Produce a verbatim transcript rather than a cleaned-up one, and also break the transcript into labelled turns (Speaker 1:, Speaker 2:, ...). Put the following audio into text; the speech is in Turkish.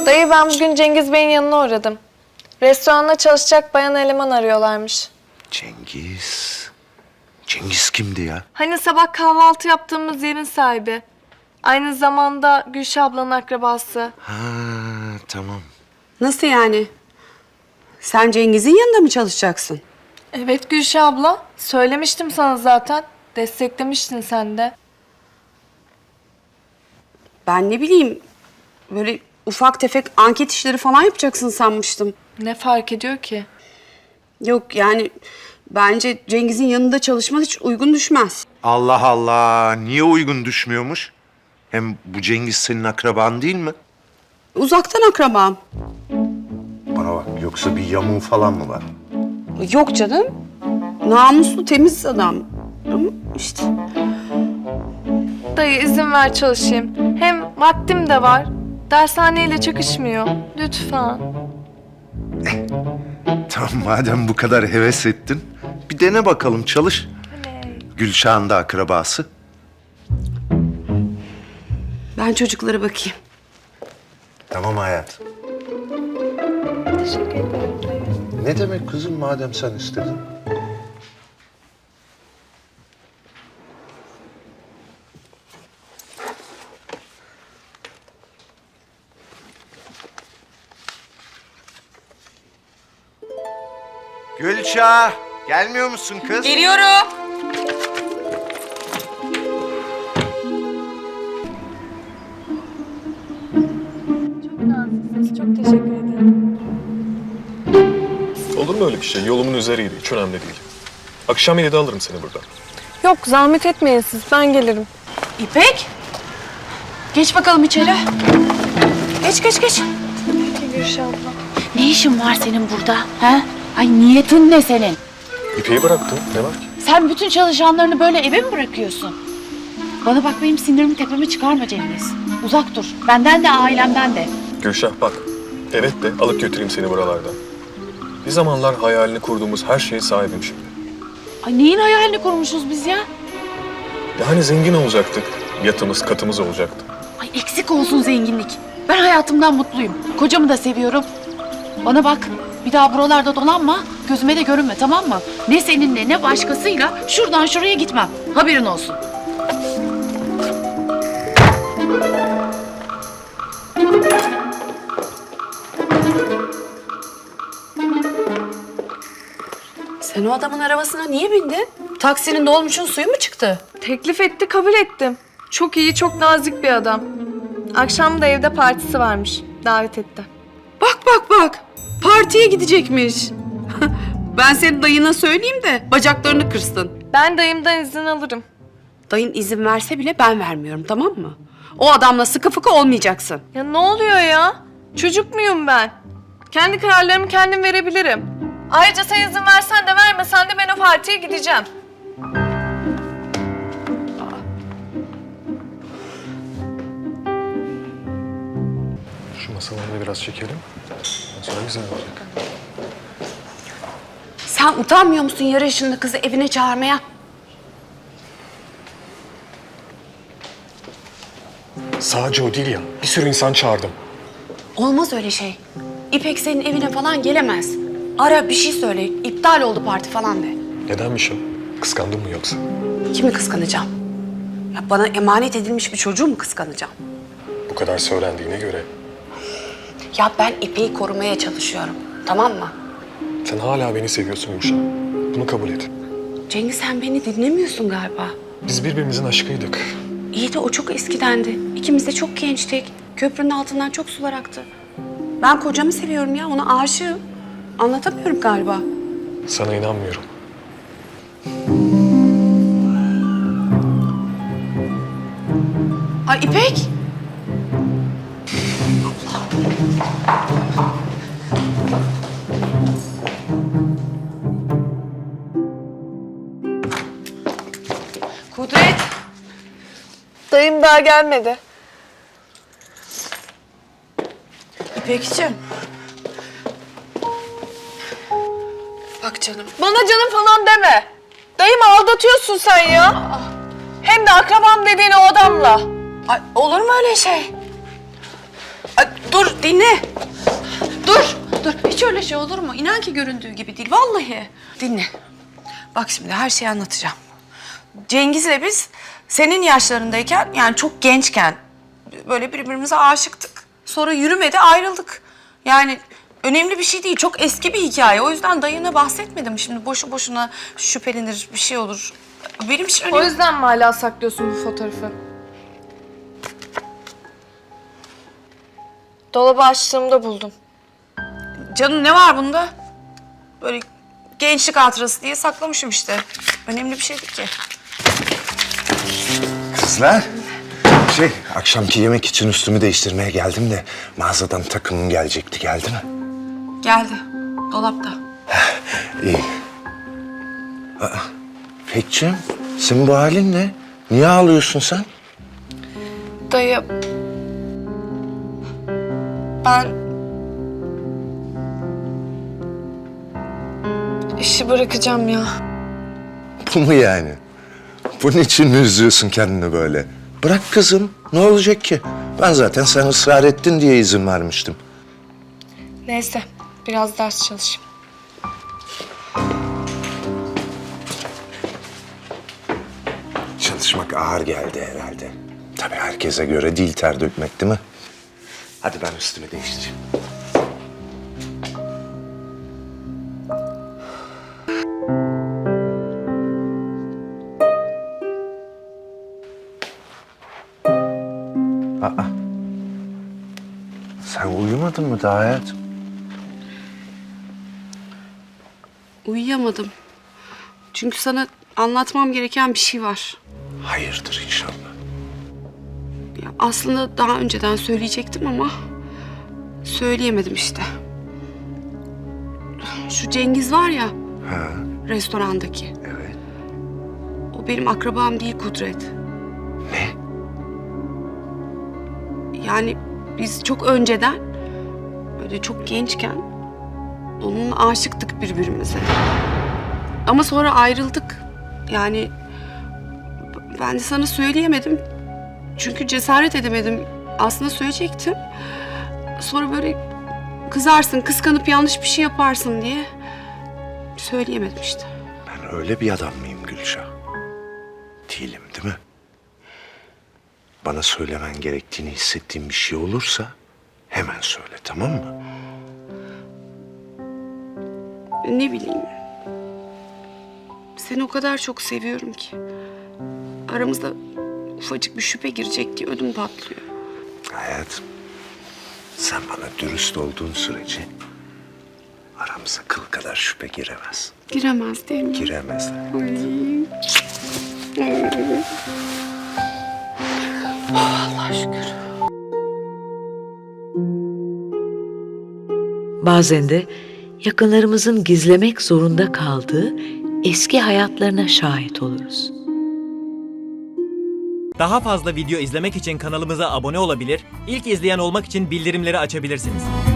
Speaker 1: Dayı ben bugün Cengiz Bey'in yanına uğradım. Restoranda çalışacak bayan eleman arıyorlarmış.
Speaker 2: Cengiz. Cengiz kimdi ya?
Speaker 1: Hani sabah kahvaltı yaptığımız yerin sahibi. Aynı zamanda Gülşah ablanın akrabası.
Speaker 2: Ha tamam.
Speaker 3: Nasıl yani? Sen Cengiz'in yanında mı çalışacaksın?
Speaker 1: Evet Gülşah abla. Söylemiştim sana zaten. Desteklemiştin sen de.
Speaker 3: Ben ne bileyim, böyle ufak tefek anket işleri falan yapacaksın sanmıştım.
Speaker 1: Ne fark ediyor ki?
Speaker 3: Yok yani bence Cengiz'in yanında çalışman hiç uygun düşmez.
Speaker 2: Allah Allah. Niye uygun düşmüyormuş? Hem bu Cengiz senin akraban değil mi?
Speaker 3: Uzaktan akrabam.
Speaker 2: Bana bak, yoksa bir yamuğu falan mı var?
Speaker 3: Yok canım. Namuslu, temiz adam. Ama işte
Speaker 1: Dayı izin ver çalışayım. Hem vaktim de var. Dershaneyle çakışmıyor. Lütfen.
Speaker 2: Tamam, madem bu kadar heves ettin, bir dene bakalım, çalış. Gülşah'ın da akrabası.
Speaker 3: ben çocuklara bakayım.
Speaker 2: Tamam hayat.
Speaker 1: Teşekkür ederim dayı.
Speaker 2: Ne demek kızım, madem sen istedin? Gülşah, gelmiyor musun kız?
Speaker 3: Geliyorum.
Speaker 1: Çok naziksiniz. Çok teşekkür ederim.
Speaker 4: Olur mu öyle bir şey? Yolumun üzeriydi. Hiç önemli değil. Akşam yedide alırım seni buradan.
Speaker 1: Yok zahmet etmeyin siz. Ben gelirim.
Speaker 5: İpek, geç bakalım içeri. Geç, geç, geç.
Speaker 1: Gülşah abla.
Speaker 5: Ne işin var senin burada? He? Ay niyetin ne senin?
Speaker 4: İpeyi bıraktım. Ne var ki?
Speaker 5: Sen bütün çalışanlarını böyle eve mi bırakıyorsun? Bana bak benim sinirimi tepeme çıkarma Cengiz. Uzak dur. Benden de ailemden de.
Speaker 4: Gülşah bak. Evet de alıp götüreyim seni buralardan. Bir zamanlar hayalini kurduğumuz her şeye sahibim şimdi.
Speaker 5: Ay neyin hayalini kurmuşuz biz ya?
Speaker 4: Yani zengin olacaktık. Yatımız, katımız olacaktı.
Speaker 5: Ay eksik olsun zenginlik. Ben hayatımdan mutluyum. Kocamı da seviyorum. Bana bak. Bir daha buralarda dolanma. Gözüme de görünme, tamam mı? Ne seninle ne başkasıyla şuradan şuraya gitmem. Haberin olsun.
Speaker 3: Sen o adamın arabasına niye bindin? Taksinin dolmuşun suyu mu çıktı?
Speaker 1: Teklif etti, kabul ettim. Çok iyi, çok nazik bir adam. Akşam da evde partisi varmış. Davet etti.
Speaker 3: Bak bak bak. Partiye gidecekmiş. Ben senin dayına söyleyeyim de bacaklarını kırsın.
Speaker 1: Ben dayımdan izin alırım.
Speaker 3: Dayın izin verse bile ben vermiyorum, tamam mı? O adamla sıkı fıkı olmayacaksın.
Speaker 1: Ya ne oluyor ya? Çocuk muyum ben? Kendi kararlarımı kendim verebilirim. Ayrıca sen izin versen de vermesen de ben o partiye gideceğim.
Speaker 4: Şu masaları da biraz çekelim. Sonra güzel olacak.
Speaker 3: Sen utanmıyor musun yarı yaşında kızı evine çağırmaya?
Speaker 4: Sadece o değil ya. Bir sürü insan çağırdım.
Speaker 3: Olmaz öyle şey. İpek senin evine falan gelemez. Ara bir şey söyle. İptal oldu parti falan de.
Speaker 4: Nedenmiş o? Kıskandın mı yoksa?
Speaker 3: Kimi kıskanacağım? Ya bana emanet edilmiş bir çocuğu mu kıskanacağım?
Speaker 4: Bu kadar söylendiğine göre.
Speaker 3: Ya ben İpek'i korumaya çalışıyorum. Tamam mı?
Speaker 4: Sen hala beni seviyorsun Gülşah. Bunu kabul et.
Speaker 3: Cengiz sen beni dinlemiyorsun galiba.
Speaker 4: Biz birbirimizin aşkıydık.
Speaker 3: İyi de o çok eskidendi. İkimiz de çok gençtik. Köprünün altından çok sular aktı. Ben kocamı seviyorum ya, ona aşığım. Anlatamıyorum galiba.
Speaker 4: Sana inanmıyorum.
Speaker 3: Ay İpek!
Speaker 5: Kudret.
Speaker 1: Dayım daha gelmedi.
Speaker 3: İpekciğim. Bak canım.
Speaker 1: Bana canım falan deme. Dayımı aldatıyorsun sen ya. Hem de akrabam dediğin o adamla.
Speaker 3: Ay, olur mu öyle şey? Ay, dur dinle. Dur, dur. Hiç öyle şey olur mu? İnan ki göründüğü gibi değil, vallahi. Dinle. Bak şimdi her şeyi anlatacağım. Cengiz'le biz senin yaşlarındayken, yani çok gençken böyle birbirimize aşıktık. Sonra yürümedi, ayrıldık. Yani önemli bir şey değil, çok eski bir hikaye. O yüzden dayına bahsetmedim. Şimdi boşu boşuna şüphelenir, bir şey olur. Benim için önemli.
Speaker 1: O yüzden mi hala saklıyorsun bu fotoğrafı? Dolabı açtığımda buldum.
Speaker 3: Canım ne var bunda? Böyle gençlik hatırası diye saklamışım işte. Önemli bir şey değil ki.
Speaker 2: Kızlar, şey akşamki yemek için üstümü değiştirmeye geldim de mağazadan takımım gelecekti. Geldi mi?
Speaker 3: Geldi. Dolapta.
Speaker 2: İyi. Aa, Pekciğim, senin bu halin ne? Niye ağlıyorsun sen?
Speaker 1: Dayı... Ben... işi bırakacağım ya.
Speaker 2: Bu mu yani? Bunun için mi üzüyorsun kendini böyle? Bırak kızım, ne olacak ki? Ben zaten sen ısrar ettin diye izin vermiştim.
Speaker 1: Neyse, biraz ders çalışayım.
Speaker 2: Çalışmak ağır geldi herhalde. Tabii herkese göre değil ter dökmek, değil mi? Hadi ben üstümü değiştireyim. Aa. Sen uyumadın mı daha hayatım?
Speaker 3: Uyuyamadım. Çünkü sana anlatmam gereken bir şey var.
Speaker 2: Hayırdır inşallah.
Speaker 3: Ya aslında daha önceden söyleyecektim ama söyleyemedim işte. Şu Cengiz var ya,
Speaker 2: Ha,
Speaker 3: restorandaki.
Speaker 2: evet.
Speaker 3: O benim akrabam değil Kudret.
Speaker 2: Ne?
Speaker 3: Yani biz çok önceden, böyle çok gençken onunla aşıktık birbirimize. Ama sonra ayrıldık. Yani ben de sana söyleyemedim. Çünkü cesaret edemedim. Aslında söyleyecektim. Sonra böyle kızarsın, kıskanıp yanlış bir şey yaparsın diye söyleyemedim işte.
Speaker 2: Ben öyle bir adam mıyım Gülşah? Değilim değil mi? Bana söylemen gerektiğini hissettiğin bir şey olursa hemen söyle, tamam mı?
Speaker 3: Ne bileyim. Seni o kadar çok seviyorum ki. Aramızda ufacık bir şüphe girecek diye ödüm patlıyor.
Speaker 2: Hayatım, sen bana dürüst olduğun sürece aramıza kıl kadar şüphe giremez.
Speaker 3: Giremez değil mi?
Speaker 2: Giremez.
Speaker 3: Allah şükür.
Speaker 6: Bazen de yakınlarımızın gizlemek zorunda kaldığı eski hayatlarına şahit oluruz.
Speaker 7: Daha fazla video izlemek için kanalımıza abone olabilir, ilk izleyen olmak için bildirimleri açabilirsiniz.